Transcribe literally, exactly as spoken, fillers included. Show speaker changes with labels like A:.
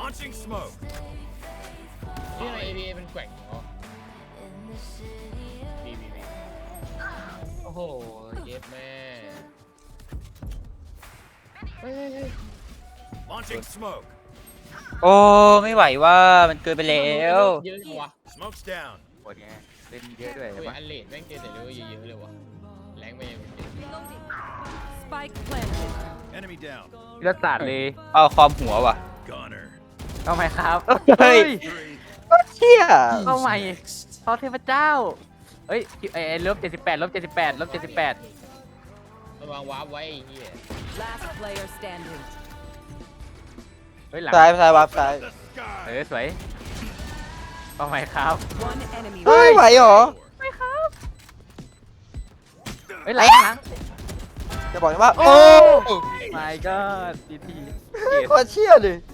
A: Launching smoke.
B: ที่ใน เอ บี เอ เป็นแกว่งเหรอบีบีบีโอ้โหเย็บแม่เฮ้ยเฮ้ยเฮ้ย
A: Launching smoke.
C: โอ้ไม่ไหวว่ามันเกินไปแล้ว
B: เยอะจังวะ
A: Smoke's down.
C: ปวดไงเล่นเยอะด้วย
B: โอ้
C: ใช่
B: ย
C: ปะ
B: อันเลดแม่งเจอแต่เรื่องเยอะๆเลยวะแรงไปยัง
D: Spike planted.
A: Enemy down.
C: เลือดสาดเลยเอาคอมหัวว่ะ
A: Gunner.
C: เอาไหมครับ
E: เฮ้ย
A: Three.
E: เชี่ย
C: เอาใหม่
A: Next.
C: เขาเทพเจ้าเอ้ยไอ้ลบเจ็ดสิบแปดลบเจ็ดสิบแปดลบเจ็ดสิบแปด
B: ระวังวาร์ปไว้ไอ้เหี้ย
D: Last player standing.
C: เฮ้ยหลัง
E: ซ้ายซ้ายวับซ้าย
A: The
C: เอ
A: sky.
C: อสวยเอาไหมครับ
D: One enemy.
E: เฮ้ยไหวเหรอ
C: เฮ้ยหลังหลัง
E: จะบอกว่า โอ้
C: my god ทีที
E: โคตรเชี่ยเลย